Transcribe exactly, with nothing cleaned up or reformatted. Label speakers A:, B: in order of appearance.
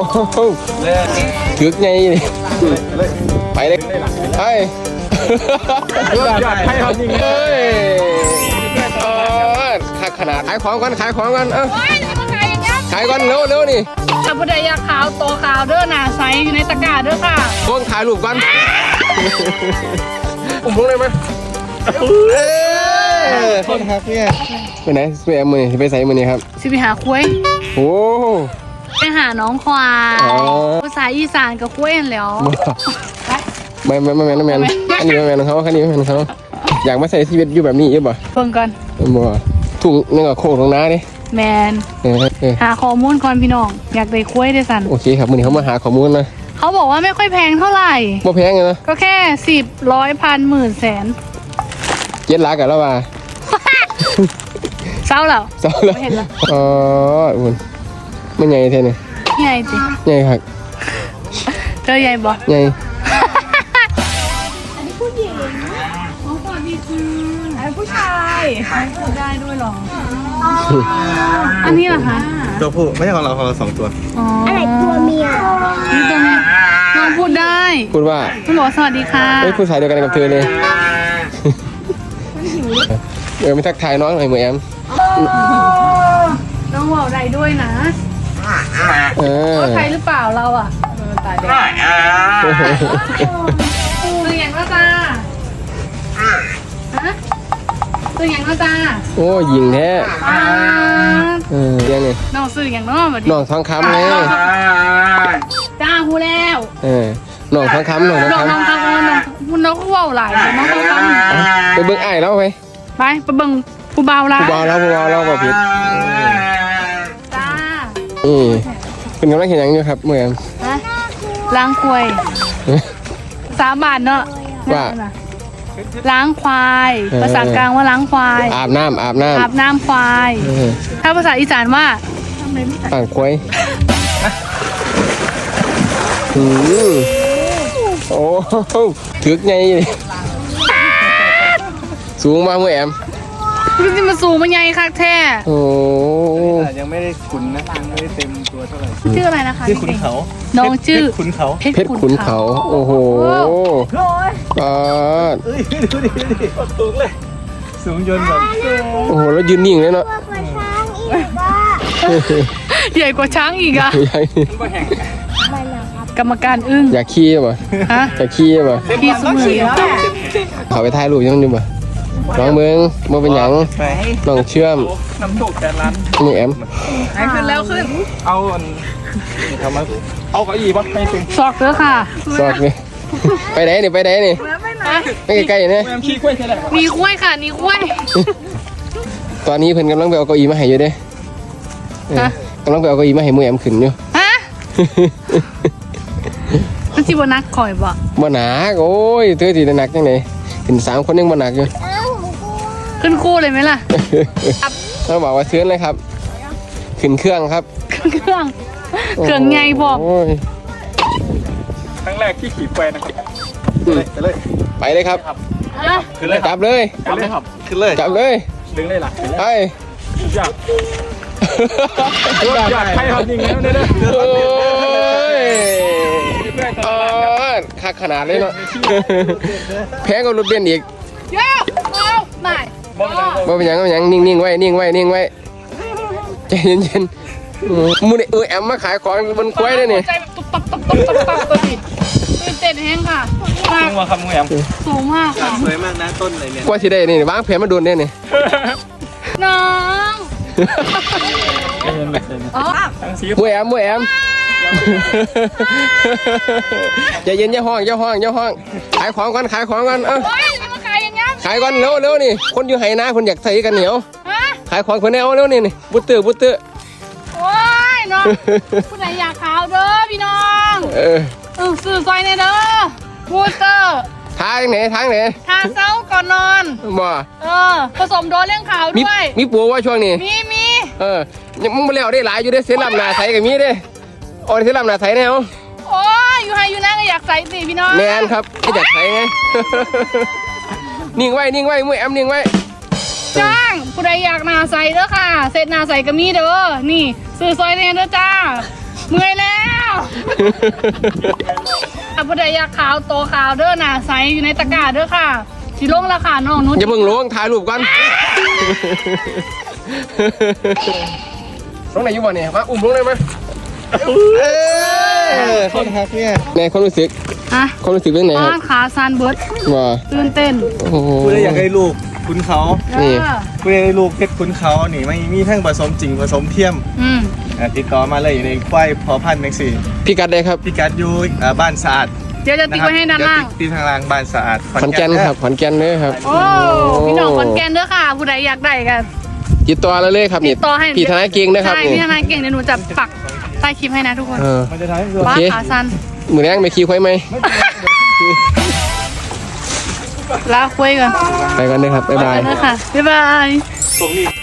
A: ถึกไงไปเลยไปให้เขาจริงเลยขนาดขายของกันขายของกันเออขายกันเร็วเร็วนี่
B: ถ้าผู้ใดอยากขาวโตขาวเด้อหนาใสอยู่ในตะกร้าเด้อค่ะ
A: ต้นขายรูปกันอุ้มลงเลยไหมต้นครับเนี่ยไปไหนไปแอมมือไปใส่มือนี่ครับ
B: สิไปหาคุ้ย
A: โอ้
B: ไปหาน้องควายภาษาอีสานกับคุ้ยแล้ว
A: ไม่ไม่ไม่แมนไม่แมนอันนี้ไม่แมนเขาอันนี้ไม่แมนเขาอยากมาใส่ชีวิตอยู่แบบนี้ยังบ่
B: เพิ่งก่อน
A: บ่ถุงนี่ก็โค้งตรงน้าดิ
B: แมนหาข้อมูลก่อนพี่น้องอยากได้คุ้ยได้สัน
A: โอเคครับมือนี้เขามาหาข้อมูลนะ
B: เขาบอกว่าไม่ค่อยแพงเท่าไหร่
A: บ่แพงเลยนะ
B: ก็แค่สิบร้อยพันหมื่นแสน
A: เจ็ดล้านกันแล้วว่า
B: เศร้าแล้ว
A: เศร้าแล้ว
B: เห็นแล้ว
A: อ๋ออุ่นไม่ใหญ่เท่นี่
B: ใหญ่จริง
A: ใหญ่ครับ
B: เธอใหญ่บ่
A: ใหญ่
B: อันนี้ผู้หญิงอ๋อสวัสดีค่ะอันนี้ผู้ชายพูดได้ด้วยหรออันนี้เหรอคะ
C: ตัวผู้ไม่ใช่ของเราของเราสองตัว
B: อะไรตัวเมียนี่ตัวเมียน้องพูดได้
A: พูดว่า
B: คุณบอกสวัสดีค่ะ
A: เฮ้ยผู้ชายเดียวกันกับเธอเลยเออไม่ทักทายน้องหน่อยเหมือนแอม
B: น้องบอกได้ด้วยนะ
A: เออ
B: ใครหรือเปล่าเราอ่ะตายแดงตัวอย่างก็ตาฮะตัวอย่างก็ตา
A: โอ้ยิงแท้เออยังไง
B: น้องซื้ออย่างน้องแบบ
A: น้องทองคำไง
B: จ้าหูแล้ว
A: เออน้องทองคำน้องทองคำ
B: น้องทองคำน้องน้องก็ว่าวหลายน้องทองคำ
A: ไปเบิ้งไอ้แล้วไป
B: ไปไปเบิ้งผู้เบาละ
A: ผู้เบาแล้วผู้เบาแล้วก็ผิด
B: จ้า
A: อืมเป็นกำลังเห็นยังอยู่ครับเมื่อกี้
B: ล้างควายสามบาทเนาะ
A: ว่า
B: ล้างควายภาษากลางว่าล้างควาย
A: อาบน้ำอาบน้ำ
B: อาบน้ำควายถ้าภาษาอีสานว่า
A: อ่างควายอืมโอ้ถึกไงสูงมากเมื่อแอม
B: พี่ที่มาสูงมันใหญ่คักแท้
A: โอ้
C: ยังไม่ได้ขุนนะยังไม่ได้เต็มตัวเท่าไหร่
B: ชื่ออะไรนะคะ
C: ชื่อขุนเขา
B: น้องชื่อ
C: ขุนเขา
A: เพชรขุนเขาโอ้โหอ่า
C: เอ้ยดูดิดูดิสูงเลยสูงจนแบบ
A: โอ้โหแล้วยืนนิ่งเลยเนาะ
B: ใหญ่กว่าช้างอีกอะกรรมการอึ้ง
A: อยากขี้ป่ะ
B: ฮะ
A: อยากขี้ป่ะ
B: ขี้สมือ
A: เขาไปถ่ายรูปยังดูป่ะน้องเมืองมาเป็นหยังน้องเชื่อม
C: น้ำตกแต่ร้าน
A: มือแอม
B: ขึ้นแล้วขึ้น
C: เอาทำมาเอาเก้าอี้ป่ะให้ตึง
B: ซอกเด้อค่ะ
A: ซอกนี่ไปไหนนี่ไปไหนนี่ไม่ใกล้ๆนี่
C: มีกล้วยใช่ไหม
B: มีกล้วยค่ะมีกล้วย
A: ตอนนี้เพิ่นกำลังไปเอาเก้าอี้มาให้อยู่เด้กำลังไปเอาเก้าอี้มาให้มือแอมขึ้นอยู่
B: ฮะมันสิบนักข่อยบ่
A: บ่หนักโอ้ยเธอสิหนักจังได๋ขึ้นสามคนยังบ่หนักอยู่
B: ขึ้นคู่เลยไหมล่ะ
A: เขาบอกว่าเชิญเลยครับขึ้นเครื่องครับ
B: ขึ้นเครื่องเครื่องไงบอก
C: ครั้งแรกที่ขี่ไปนะครับไปเลย
A: ไปเลยครับ
C: ขึ้นเลย
A: จับเลย
C: จับเลยครับขึ้นเลย
A: จับเลย
C: ดึงเลยหลัก
A: ไป
C: อยากอยากให้เขาจริงแล้วเนี่ย
A: เออขาขนาดเลยเนาะแพ้กับรถเบนซ์อีก
B: เยอะไม่
A: บ่เป็นยังบ่เป็นยังนิ่งๆไว้นิ่งไว้นิ่งไว้ใจเย็นๆมูนี่เออแอมมาขายของบนกล้วยเลยนี่
B: ใจแบบตุ๊บตับตุ๊บตับตุ๊บตับตัวนี้ตื่นเต้นแห้งค่ะ
C: สูงมากครับมูแอม
B: สูงมากค่ะ
C: สวยมากนะต้นเลยเนี่ย
A: กว่าสิได้นี่วางแผนมาโดนเนี่ยนี่
B: น้อง
A: มูแอมมูแอมใจเย็นอย่าห้องอย่าห้องอย่าห้องขายของกันขายของกันเออขายก่อนเร็วเร็วนี่คนอยู่ไหนะคนอยากใส่กันเหนียวขายของคนแนวเร็วนี่นี่บุตรบุตร
B: โอ้ยน้องผู้ใดอยากขาวเด้อพี่น้องเออสื่อซอยเนี่ยเด้อบุตร
A: ทางไหนทางไหน
B: ทาเช้าก่อนนอน
A: บ่
B: เออผสมโดนเรื่องขาวด้วย
A: มีปูว่าช่วงนี้
B: มีมี
A: เออยังมึงมาเลี้ยวได้หลายอยู่ได้เสียลำหนาใส่กับมีได้โอ้ยเสียลำหนาใส่แนว
B: โอ้ยอยู่ให้อยู่นั่งก็อยากใส่สิพี่น้อง
A: แมนครับก็อยากใส่ไงนิ่งไว้นิ่งไว้มือแอมนิ่งไว้
B: จ้างผู้ใดอยากนาใส่เด้อค่ะเสร็จนาใส่ก็มีเด้อนี่ซื้อซอยเนี่ยเด้อจ้าเมื่อยแล้วถ้าผู้ใดอยากขาวโตขาวเด้อหนาใสอยู่ในตะกร้าเด้อค่ะสิลงราคาน้องนุช
A: อย่าเพิ่งลงถ่ายรูปก่อนลงไหนอยู่บ่เนี่ยมาอุ้มลงได้ไหมเออ
C: คนฮักเนี่ย
A: ในความรู้สึก
B: ฮะ
A: ความรู้สึกเป็นไงค
B: บ้า
A: รับ
B: นขาซานเบิร์ด
A: ว่า
B: ตื่นเต้น
A: โอ้โห
C: กูเลยอยากให้ลูกคุณเขา
A: นี่
B: เออ
C: กูเลยให้ลูกเพชรคุณเขานี่ไม่มีทั้งผสมจริงผสมเทียม
B: อืม
C: อ่ะติดต่อมาเลยอยู่ในควายพอพันธุ์แม็กซี่
A: พี่กัดได้ครับ
C: พี่กัดอยู่อ่าบ้านสะอาด
B: เดี๋ยวจะติ๊กไว้ให้ด้านล่าง
C: เดี๋ยวติดทางล่างบ้านสะอาด
A: ขอนแก่นครับขอนแก่นเลยครับ
B: โอ้พี่น้องขอนแก่นเด้อค่ะ ผู้ใดอยากได้กัน
A: ติดต่อเราเลยครับนี่
B: ติดต่อให้
A: พี่ทนายเก่งนะครับ
B: ใช่
A: นี่
B: พี่ทนายเก่งเดี๋ยวหนูจะปักใต้คลิปให้นะทุกคน
A: เออ
C: มันจะทำให้เรา
B: บ้าน
A: โอเค
B: ขาซัน
A: มือแรงไปขี่ควายไหม
B: ลาคุยกัน
A: ไปกันเลยครับบ๊ายบาย
B: ไปกันเด้อค่ะบ๊ายบาย
C: ตรงนี้